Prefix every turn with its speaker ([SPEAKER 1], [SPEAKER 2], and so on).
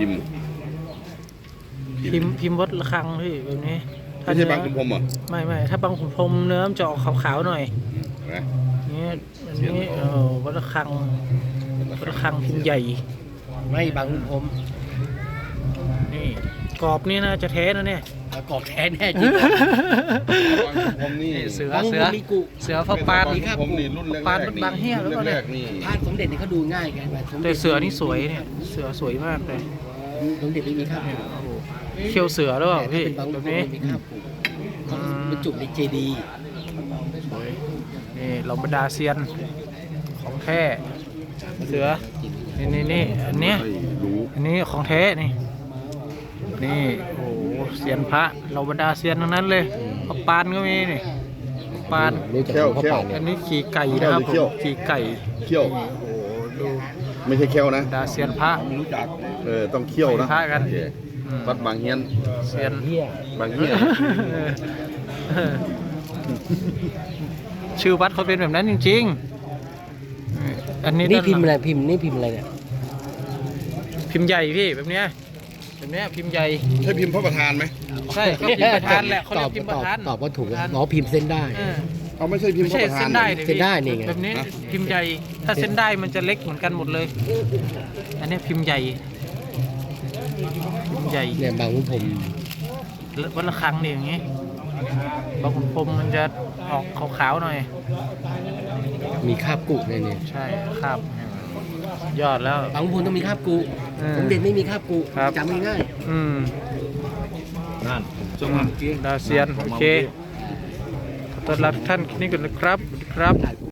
[SPEAKER 1] พิมพ์วัดระฆังพี่แบบนี้
[SPEAKER 2] ไม่ใช่บางขุนพรหมเหรอ
[SPEAKER 1] ไม่ถ้าบางขุนพรหมเนื้อมันจะออกขาวๆหน่อย
[SPEAKER 2] นะ
[SPEAKER 1] นี่อันนี้วัดระฆังพิมพ์ใหญ่
[SPEAKER 3] ไม่บางขุนพรหม
[SPEAKER 1] นี่กรอบนี่นะจะแท้นะเนี่ย
[SPEAKER 3] กรอบแท้แน่จริง
[SPEAKER 2] ผมนี่
[SPEAKER 1] เสือพระปาน
[SPEAKER 2] ผมนี่รุ่นแรก
[SPEAKER 1] ปานบางเฮียแล้วก็เนี่ย
[SPEAKER 3] พานสมเด็จนี่เขาดูง่ายไง
[SPEAKER 1] แต่เสือนี่สวยเนี่ยเสือสวยมากเลย
[SPEAKER 3] สมเด็จไม่มีข้าว
[SPEAKER 1] เขี้ยวเสือหรือเปล่าพี่แบบนี้
[SPEAKER 3] เป็นจุ่มในเจดี
[SPEAKER 1] นี่เราบรรดาเซียนของแท้เสือนี่อันเนี้ยอันนี้ของแท้นี่โอ้เซียนพระเราบรรดาเซียนทั้งนั้นเลยพระปานก็มีนี่ปานอันนี้ขี่ไก่นะครับขี่ไก่
[SPEAKER 2] เขี้ยว
[SPEAKER 1] โอ้ดู
[SPEAKER 2] ไม่ใช่เขี้ยวนะ
[SPEAKER 1] ดาเซียนพระ
[SPEAKER 2] ไม่รู้จักต้องเขี้ยวนะ
[SPEAKER 1] พระกัน
[SPEAKER 2] วัดบางเฮียน
[SPEAKER 1] เซียน
[SPEAKER 2] บางเฮียน
[SPEAKER 1] ชื่อวัดเขาเป็นแบบนั้นจริงๆอันนี้
[SPEAKER 3] พิมพ์อะไรพิมพ์เนี่ย
[SPEAKER 1] พิมพ์ใหญ่พี่แบบเนี้ยพิมพ์ใหญ่
[SPEAKER 2] ใช่พิมพ์พระประธานไหม
[SPEAKER 1] ใช่เขาพิมพ์ประธานแหละเขาเรียกพิมพ์ประธาน
[SPEAKER 3] ตอบว่าถูกพิมพ์เส้นได้
[SPEAKER 2] เขาไม่ใช่พิมพ์พระประธาน
[SPEAKER 1] เส้นได้
[SPEAKER 3] นี่ไง
[SPEAKER 1] แบบนี้พิมพ์ใหญ่ถ้าเส้นได้มันจะเล็กเหมือนกันหมดเลยอันนี้พิมพ์ใหญ่
[SPEAKER 3] เนี่ยบางขุนพรหม
[SPEAKER 1] วัดระฆังนี่อย่างงี้บางขุนพรหมมันจะออกขาวๆหน่อย
[SPEAKER 3] มีคาบกุเนี่ย
[SPEAKER 1] ใช่คาบยอดแล้ว
[SPEAKER 3] บางขุนพรหมต้องมีคาบกุสมเด็จไม่มีคาบกุจำง่าย
[SPEAKER 2] นั่น
[SPEAKER 1] ดาเซียนโอเคขอต้อนรับท่านนี่ก่อนนะครับ